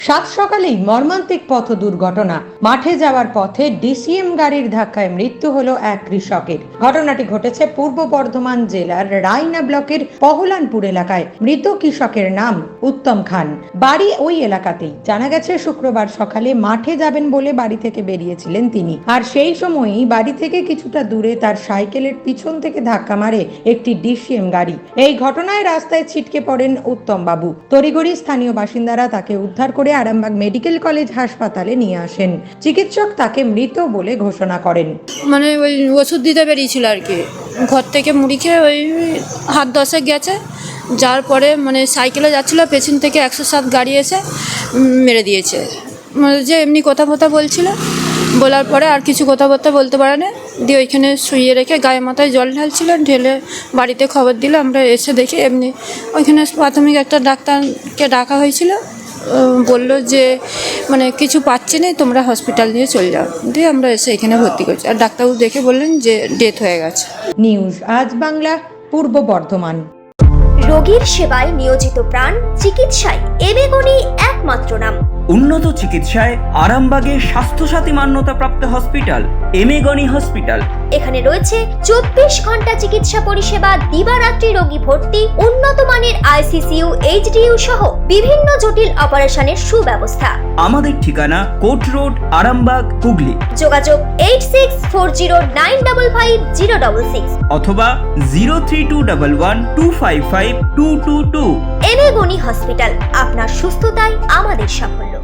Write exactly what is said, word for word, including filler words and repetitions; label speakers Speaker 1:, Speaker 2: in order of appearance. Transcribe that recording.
Speaker 1: সাত সকালেই মর্মান্তিক পথ দুর্ঘটনা। মাঠে যাওয়ার পথে ডিসিএম গাড়ির ধাক্কায় মৃত্যু হলো এক কৃষকের। ঘটনাটি ঘটেছে পূর্ব বর্ধমান জেলার রায়না ব্লকের পহলানপুর এলাকায়। মৃত কৃষকের নাম উত্তম খান, বাড়ি ওই এলাকাতেই। জানা গেছে শুক্রবার সকালে মাঠে যাবেন বলে বাড়ি থেকে বেরিয়েছিলেন তিনি, আর সেই সময়ই বাড়ি থেকে কিছুটা দূরে তার সাইকেলের পিছন থেকে ধাক্কা মারে একটি ডিসিএম গাড়ি। এই ঘটনায় রাস্তায় ছিটকে পড়েন উত্তম বাবু। তড়িঘড়ি স্থানীয় বাসিন্দারা তাকে উদ্ধার করে আরামবাগ মেডিকেল কলেজ হাসপাতালে নিয়ে আসেন। চিকিৎসক তাকে মৃত বলে ঘোষণা করেন।
Speaker 2: মানে ওই ওষুধ দিতে বেরিয়েছিল আর কি, ঘর থেকে মুড়ি খেয়ে ওই হাত দশেক গেছে। যার পরে মানে সাইকেলে যাচ্ছিলো, পেছন থেকে একশো সাত গাড়ি এসে মেরে দিয়েছে। মানে যে এমনি কথা কথা বলছিল, বলার পরে আর কিছু কথাবার্তা বলতে পারে না, দিয়ে ওইখানে শুইয়ে রেখে গায়ে মাথায় জল ঢালছিল। ঢেলে বাড়িতে খবর দিল, আমরা এসে দেখি এমনি ওইখানে প্রাথমিক একটা ডাক্তারকে ডাকা হয়েছিল। বললো যে মানে কিছু পাচ্ছে না, তোমরা হসপিটাল নিয়ে চলে যাও। দিয়ে আমরা এসে এখানে ভর্তি করছি, আর ডাক্তারবাবু দেখে বললেন যে ডেথ হয়ে গেছে।
Speaker 1: নিউজ আজ বাংলা, পূর্ব বর্ধমান।
Speaker 3: রোগীর সেবায় নিয়োজিত প্রাণ, চিকিৎসায় এবেগুনি একমাত্র নাম।
Speaker 4: উন্নত চিকিৎসায় আরামবাগে স্বাস্থ্যসাথী মান্যতাপ্রাপ্ত হসপিটাল এমেগনি হসপিটাল।
Speaker 3: এখানে রয়েছে চব্বিশ ঘন্টা চিকিৎসা পরিষেবা, দিবারাত্রি রোগী ভর্তি, উন্নত মানের আইসিসিইউ, এইচডিইউ সহ বিভিন্ন জটিল অপারেশনের সুব্যবস্থা।
Speaker 4: আমাদের ঠিকানা কোট রোড, আরামবাগ, হুগলি।
Speaker 3: যোগাযোগ eight six four zero nine double five zero double six
Speaker 4: অথবা zero three two double one two five five two two two.
Speaker 3: এবেগুনি হসপিটাল, আপনার সুস্থতাই আমাদের সাফল্য।